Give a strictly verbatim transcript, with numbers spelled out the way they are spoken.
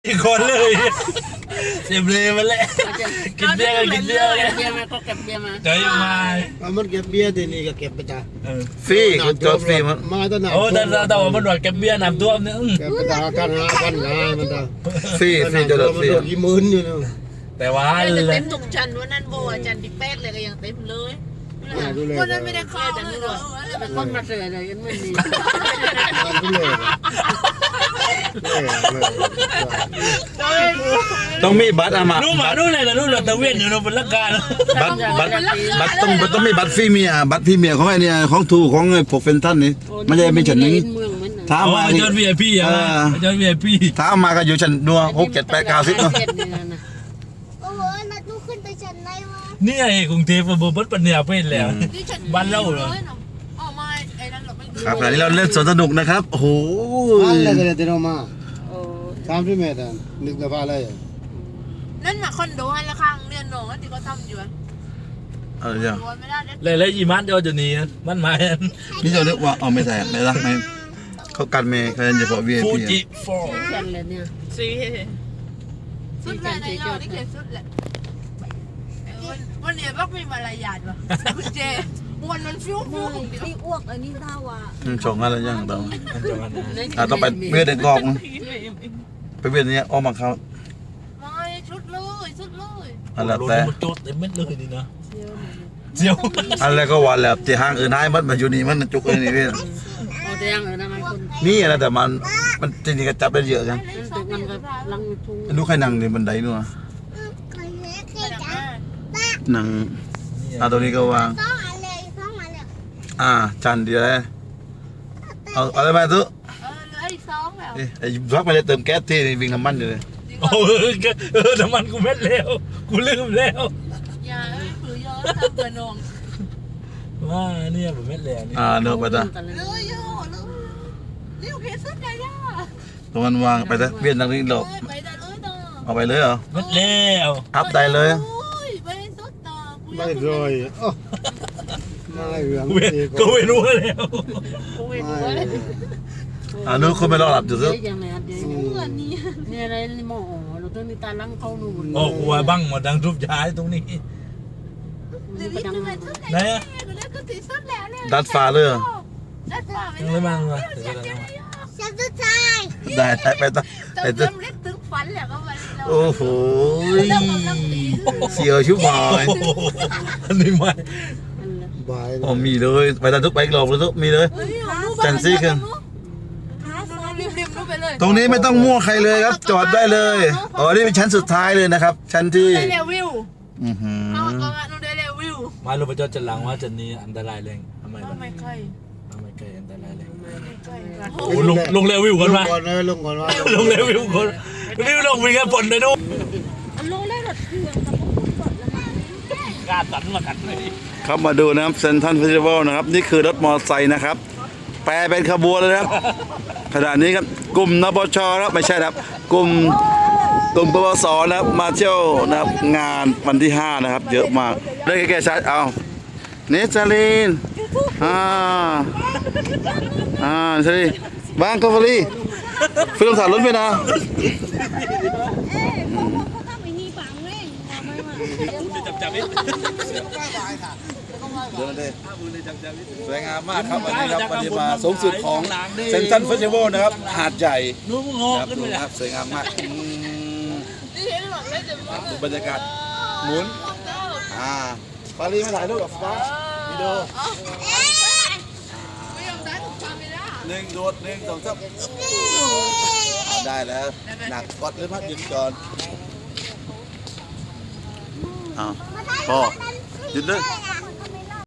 อีกคนเลยเสียบเลยมาแล้วกินเบียร์กันกินเบียร์กันเบียร์มาก็เก็บเบียร์มาใจมามันเก็บเบียร์ที่นี่ก็เก็บไปจ้ะฟรีจอดฟรีมันมาตั้งนานโอ้แต่แต่ว่ามันหนวดเก็บเบียร์น้ำท่วมเนี่ยเก็บไปตากันหากันหามันตาฟรีฟรีจอดฟรีกี่หมื่นอยู่เนาะแต่ว่าเต็มทุกชั้นวันนั้นโบอาจารย์ดิแป๊ดเลยก็ยังเต็มเลยวันนั้นไม่ได้เข้าเลยเหรอเป็นคนมาเสือเลยกันไม่มีต้องมีบัตรอะมานู่นมานู่นเลยแต่นู่นเราตะเวนอยู่เราเป็นลักการบัตรบัตรบัตรต้องต้องมีบัตรฟรีเมียบัตรฟรีเมียของไอ้เนี่ยของทูของไอ้พวกเฟนทันนี่ไม่ใช่ไม่ฉันนึงถ้ามาจอดวีไอพีอ่ะจอดวีไอพีถ้ามาก็อยู่ชั้นนัวหกเจ็ดแปดเก้าสิบเนาะโอ้โหนัดลูกขึ้นไปชั้นไหนวะนี่ไอ้กรุงเทพมันบัดปัญญาเป็นแล้วบ้านเราเหรอครับขณะนี้เราเล่นสวนสนุกนะครับโอ้โหอะไรกันเนี่ยที่เรามาสามสิบเมตรนึกแต่ว่าอะไรนั่นมาคอนโดให้ละข้างเรียนหนองที่เขาทำอยู่เออจ้ะเลยเลยอีมันเดียวจะหนีมันมานี่จะเรียกว่าเอาไม่ใส่ไม่รักไม่เขากันเมย์เขาจะเฉพาะ วี ไอฟูพีจิฟอร์ชั้นเลยเนี่ยสี่สุดเลยนะยอดนี่เขียนสุดเลยวันนี้บักมีมารยาทวะคุณเจวันมันฟิวฟิวที่อ้วกอันนี้ท่าว่าชงอะไรยังต้องอ่าต้องไปเวียนเด็กกอกไปเวียนนี้อ้อมมาเขาไม่ชุดเลยชุดเลยอะไรแต่มันโจดเต็มเม็ดเลยนี่นะเจียวอะไรก็วันแล้วที่ห้างอื่นให้มันมาอยู่นี่มันจุกเลยนี่พี่นี่อะไรแต่มันมันจริงๆก็จับได้เยอะกันดูใครนั่งในบันไดนู่นนั่งอ่าตัวนี้ก็วางอ่าจันดีเลยเอาอะไรมาตุ๊ไอ้รักไปเลยเติมแก๊สที่วิ่งน้ำมันอยู่เลยโอ้เออน้ำมันกูเม็ดแล้วกูลืมแล้วอย่าเอ้ยผือยอทำเกินนองว่าเนี่ยผมเม็ดแล้วนี่อ่าเนื้อไปจ้ะเลยโย่เลยนี่โอเคสุดเลยย่าตรงนั้นวางไปจ้ะเวียนทางนี้หลบเอาไปเลยเหรอเม็ดแล้วอัพได้เลยไม่รอยไม่เหลืองก็ไม่รู้แล้วอ่านู้นคุณไม่รอหลับจุดซึนี่อะไรนี่หมอเราต้องมีตาลังเข้าหนูโอ้หัวบังหมดดังทุบย้ายตรงนี้ไหนดัดฟ้าเลยยังไม่มาเลยฉันจะตายได้ได้ไปต่อไปต่อถึงฝันแล้วก็วันโอ้โหเสียวชิบหายอันนี้ไม่โอ้มีเลยไปตัดทุกไปหลอกเลยทุกมีเลยจันซี่ขึ้นตรงนี้ไม่ต้องมั่วใครเลยครับจอดได้เลยอ๋อนี่เป็นชั้นสุดท้ายเลยนะครับชั้นที่เรวิวอือหือมาลงไปจอดจันหลังว่าจันนี้อันตรายแรงทำไมไม่ใครไม่ใครอันตรายแรงโอ้ลงลงเรวิวก่อนมาลงก่อนเลยลงก่อนว่าลงเรวิวก่อนรีบลงมีแค่ฝนเลยดูลงได้รถเครื่องกล้าตันมากันเลยครับมาดูนะครับเซนทันเฟสติวัลนะครับนี่คือรถมอเตอร์ไซค์นะครับแปลเป็นขบวนเลยครับขณะนี้ครับกลุ่มนปชครับไม่ใช่ครับกลุ่มกลุ่มปปสนะครับมาเที่ยวนะครับงานวันที่ห้านะครับเยอะมากได้แก่ชัดเอาเนสซาลินอ่าอ่าใช่บ้างคาฟรีฟิล์มสารลุ้นไปนะสวยงามมากครับวันนี้ครับวันนี้มาสูงสุดของเซนทันเฟสติวัลนะครับหาดใหญ่ครับสวยงามมากดูบรรยากาศหมุนอ่าปารีมาถ่ายรูปกับฟ้าวิดีโอหนึ่งโดดหนึ่งสองสามได้แล้วหนักกดเลยพักหยุดก่อนอ้าวพอหยุดเลย